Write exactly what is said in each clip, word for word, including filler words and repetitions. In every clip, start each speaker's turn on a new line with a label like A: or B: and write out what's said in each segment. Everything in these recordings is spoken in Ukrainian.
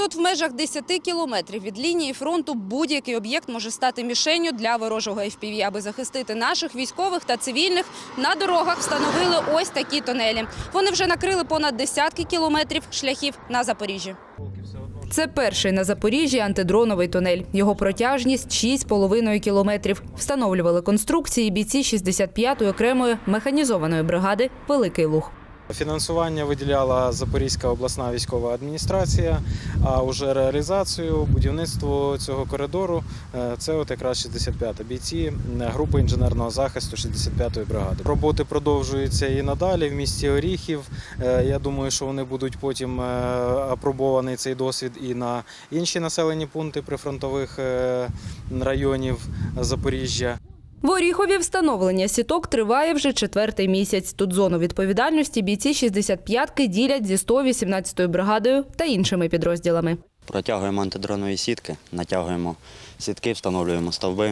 A: Тут в межах десяти кілометрів від лінії фронту будь-який об'єкт може стати мішенню для ворожого еф пі ві. Аби захистити наших військових та цивільних, на дорогах встановили ось такі тунелі. Вони вже накрили понад десятки кілометрів шляхів на Запоріжжі. Це перший на Запоріжжі антидроновий тунель. Його протяжність – шість з половиною кілометрів. Встановлювали конструкції бійці шістдесят п'ятої окремої механізованої бригади «Великий Луг».
B: Фінансування виділяла Запорізька обласна військова адміністрація, а вже реалізацію, будівництво цього коридору – це от якраз шістдесят п'ята бійці групи інженерного захисту шістдесят п'ятої бригади. Роботи продовжуються і надалі в місті Оріхів. Я думаю, що вони будуть потім апробований цей досвід і на інші населені пункти прифронтових районів Запоріжжя.
A: В Оріхові встановлення сіток триває вже четвертий місяць. Тут зону відповідальності бійці шістдесят п'ятки ділять зі сто вісімнадцятою бригадою та іншими підрозділами.
C: Протягуємо антидронові сітки, натягуємо сітки, встановлюємо стовби,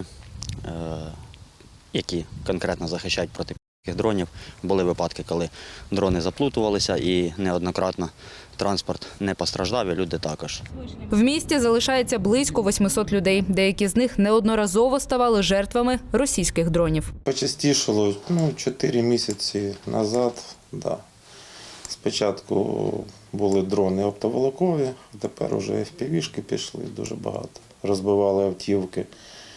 C: які конкретно захищають проти дронів. Були випадки, коли дрони заплутувалися і неоднократно транспорт не постраждав, і люди також.
A: В місті залишається близько восьмисот людей. Деякі з них неодноразово ставали жертвами російських дронів.
D: Почастішало ну, чотири місяці назад. Да. Спочатку були дрони оптоволокові, тепер вже еф пі ві-шки пішли дуже багато. Розбивали автівки.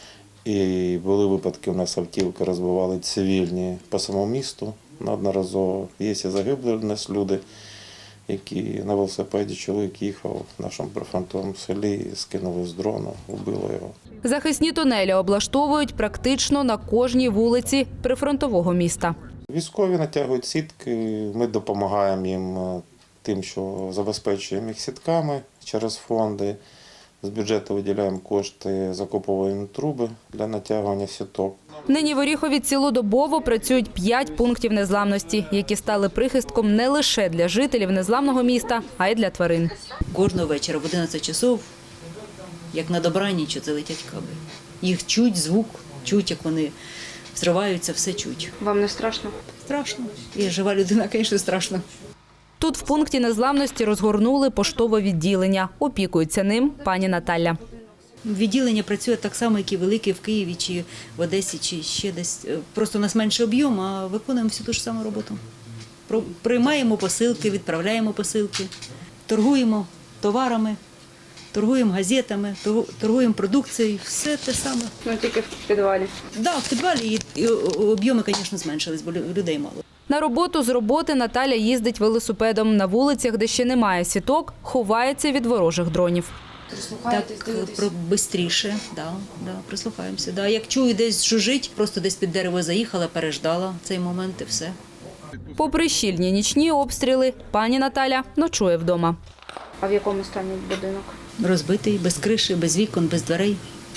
D: І були випадки, у нас автівки розбивали цивільні по самому місту неодноразово. Є і загибли у нас люди, які на велосипеді чоловік їхав в нашому прифронтовому селі, скинули з дрону, вбило його.
A: Захисні тунелі облаштовують практично на кожній вулиці прифронтового міста.
D: Військові натягують сітки, ми допомагаємо їм тим, що забезпечуємо їх сітками через фонди. З бюджету виділяємо кошти, закуповуємо труби для натягування сіток.
A: Нині в Оріхові цілодобово працюють п'ять пунктів незламності, які стали прихистком не лише для жителів незламного міста, а й для тварин.
E: Кожного вечора в одинадцять часов, як на добраніч, це летять каби. Їх чуть, звук, чуть, як вони взриваються, все чуть.
A: Вам не страшно?
E: Страшно. Я жива людина, звісно, страшно.
A: Тут в пункті незламності розгорнули поштове відділення. Опікується ним пані Наталя.
E: Відділення працює так само, як і велике в Києві, чи в Одесі, чи ще десь. Просто у нас менший об'єм, а виконуємо всю ту ж саму роботу. Приймаємо посилки, відправляємо посилки, торгуємо товарами, торгуємо газетами, торгуємо продукцією, все те саме.
A: Ну, тільки в підвалі.
E: Так, да, в підвалі і об'єми, звісно, зменшились, бо людей мало.
A: На роботу з роботи Наталя їздить велосипедом. На вулицях, де ще немає сіток, ховається від ворожих дронів.
E: Так, швидше, да, да, прислухаємося. Да. Як чую, десь жужить, просто десь під дерево заїхала, переждала цей момент і все.
A: Попри щільні нічні обстріли, пані Наталя ночує вдома.
F: А в якому стані будинок?
E: Розбитий, без криші, без вікон, без дверей.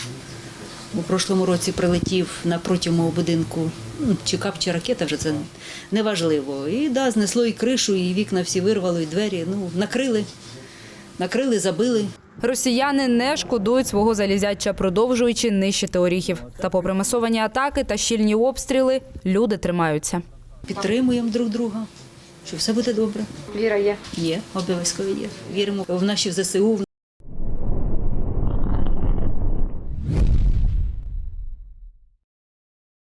E: У прошлому році прилетів напроти мого будинку, ну, чи кап, чи ракета, вже це не важливо. І да, знесло і кришу, і вікна всі вирвало, і двері, ну, накрили, накрили, забили.
A: Росіяни не шкодують свого залізяча, продовжуючи нищити Оріхів. Та попри масовані атаки та щільні обстріли, люди тримаються.
E: Підтримуємо друг друга, що все буде добре.
F: Віра є?
E: Є, обов'язково є. Віримо в наші зе се у.